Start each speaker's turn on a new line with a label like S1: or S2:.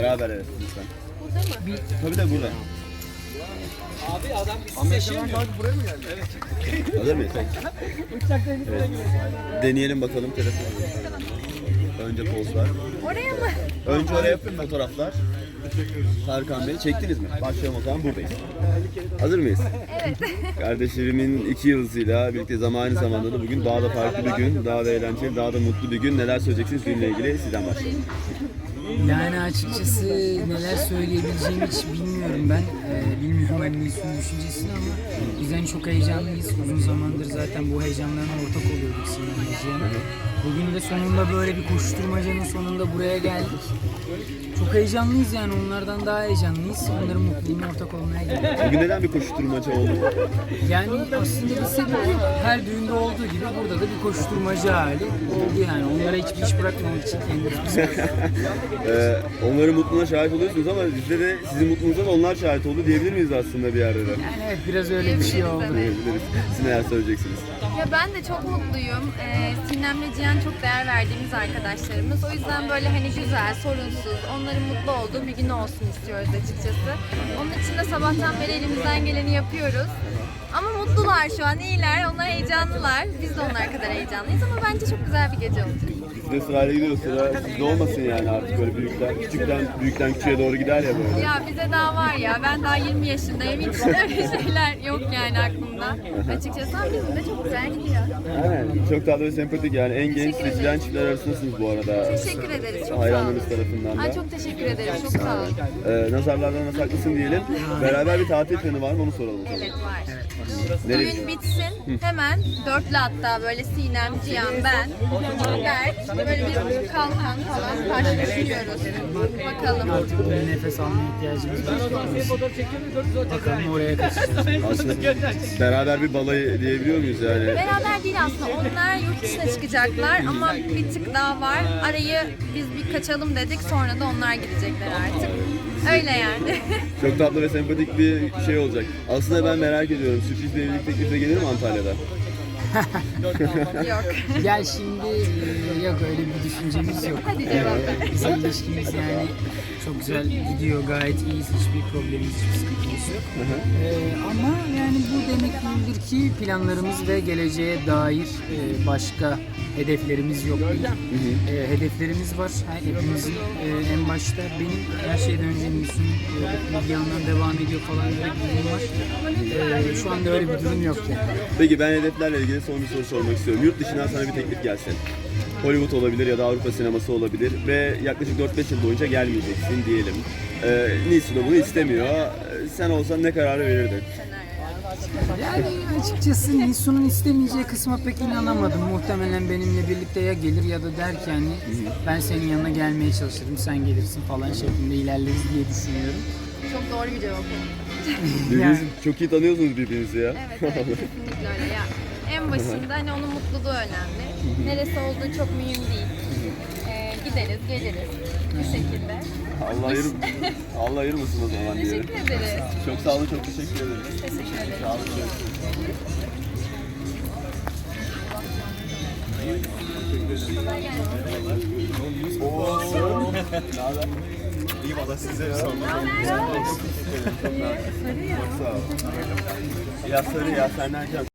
S1: Beraber evet lütfen.
S2: Burada mı?
S1: Tabii de burada.
S3: Abi adam bir seçemiyor.
S4: Buraya mı geldi?
S3: Evet.
S1: Hazır mıyız? Evet. Deneyelim bakalım telefonu. Önce pozlar.
S2: Oraya mı?
S1: Önce oraya fotoğraflar. Tarkan Bey çektiniz mi? Başlayalım o zaman buradayız. Hazır mıyız?
S2: Evet.
S1: Kardeşlerimin 2 yıldızıyla birlikte aynı zamanda da bugün daha da farklı bir gün, daha da eğlenceli, daha da mutlu bir gün. Neler söyleyeceksiniz günle ilgili? Sizden başlayalım.
S5: Yani açıkçası neler söyleyebileceğimi hiç bilmiyorum ben. Bilmiyorum hani Nilsu'nun düşüncesini ama biz hani çok heyecanlıyız. Uzun zamandır zaten bu heyecanlarına ortak oluyorduk Sinan. Bugün de sonunda böyle bir koşturmacanın sonunda buraya geldik. Çok heyecanlıyız yani onlardan daha heyecanlıyız. Onların mutluluğuna ortak olmaya geldik.
S1: Bugün neden bir koşturmaca oldu?
S5: Yani aslında bir sebebi her düğünde olduğu gibi burada da bir koşturmaca hali oldu yani. Onlara hiçbir iş bırakmamak için kendimiz.
S1: Onların mutluluğuna şahit oluyorsunuz ama bizde de sizin mutluluğunuza da onlar şahit oldu diyebilir miyiz aslında bir yerde de?
S5: Yani evet biraz öyle bir şey oldu.
S1: Diyebiliriz. Siz neler söyleyeceksiniz?
S2: Ya ben de çok mutluyum. Sinem'le Cihan çok değer verdiğimiz arkadaşlarımız. O yüzden böyle hani güzel, sorunsuz, onların mutlu olduğu bir gün olsun istiyoruz açıkçası. Onun için de sabahtan beri elimizden geleni yapıyoruz. Ama mutlular şu an, iyiler. Onlar heyecanlılar. Biz de onlar kadar heyecanlıyız ama bence çok güzel bir gece olacak.
S1: Biz de sırayla gidiyoruz. Sıra sizde olmasın yani artık böyle büyükten küçüğe doğru gider ya böyle.
S2: Ya bize daha var ya, ben daha 20 yaşındayım. Hiç öyle şeyler yok yani aklımda. Açıkçası ama bizim de çok güzel gidiyor.
S1: Aynen. Çok tatlı ve sempatik yani. En genç
S2: Teşekkür ederim.
S1: seçilen çiftler arasındasınız bu arada.
S2: Teşekkür ederiz. Çok sağ olun.
S1: Hayranlarınız tarafından da.
S2: Ay çok teşekkür ederim. Çok sağ olun.
S1: Nazarlardan saklısın diyelim. Beraber bir tatil planı var mı onu soralım.
S2: Evet var.
S1: Nereye?
S2: Düğün bitsin hemen dörtlü hatta böyle Sinem, Cihan, ben, Berk böyle bir kalkan falan karşılaşıyoruz. Bakalım.
S5: Artık bir nefes almaya ihtiyacımız var. Bakalım oraya kaçacağız.
S1: Aslında beraber bir balayı diyebiliyor muyuz yani?
S2: Beraber değil aslında, onlar yurt dışına çıkacaklar ama bir tık daha var. Arayı biz bir kaçalım dedik, sonra da onlar gidecekler artık. Öyle yani.
S1: Çok tatlı ve sempatik bir şey olacak. Aslında ben merak ediyorum. Sürpriz bir evlilik teklifi gelir mi Antalya'da?
S2: Yok.
S5: Gel şimdi yok öyle bir düşüncemiz yok.
S2: Hadi cevap ver.
S5: Bizim ilişkimiz yani çok güzel gidiyor, gayet iyiyiz, hiçbir problemimiz, hiçbir sıkıntımız yok. Ama yani bu demek değildir ki planlarımız ve geleceğe dair başka hedeflerimiz yok değil. Hedeflerimiz var. Hepimizin en başta benim her şeyden önce Nilsu'nun bir yandan devam ediyor falan öyle bir durum var. Şu anda öyle bir durum yok yani.
S1: Peki ben hedeflerle ilgili son bir soru sormak istiyorum. Yurt dışından sana bir teklif gelse. Hollywood olabilir ya da Avrupa sineması olabilir ve yaklaşık 4-5 yıl boyunca gelmeyeceksin diyelim. Nilsu da bunu istemiyor. Sen olsan ne kararı verirdin?
S5: Yani açıkçası Nilsu'nun istemeyeceği kısma pek inanamadım. Muhtemelen benimle birlikte ya gelir ya da der ki hani ben senin yanına gelmeye çalışırım, sen gelirsin falan şeklinde ilerleriz diye düşünüyorum.
S2: Çok doğru bir cevap oldu.
S1: Birbirinizi çok iyi tanıyorsunuz birbirinizi ya.
S2: Evet, kesinlikle öyle ya. En başında hani onun mutluluğu önemli. Neresi olduğu çok mühim değil. Gideriz, geliriz bu şekilde.
S1: Allah ayırmasın o zaman diye.
S2: Teşekkür ederiz.
S1: Çok sağ olun, çok teşekkür ederim.
S2: Teşekkür ederim.
S1: Sağ olun.
S2: Kolay gelsin.
S1: İyi valla size ya.
S2: Sarı ya.
S1: Ya sarı ya senden can.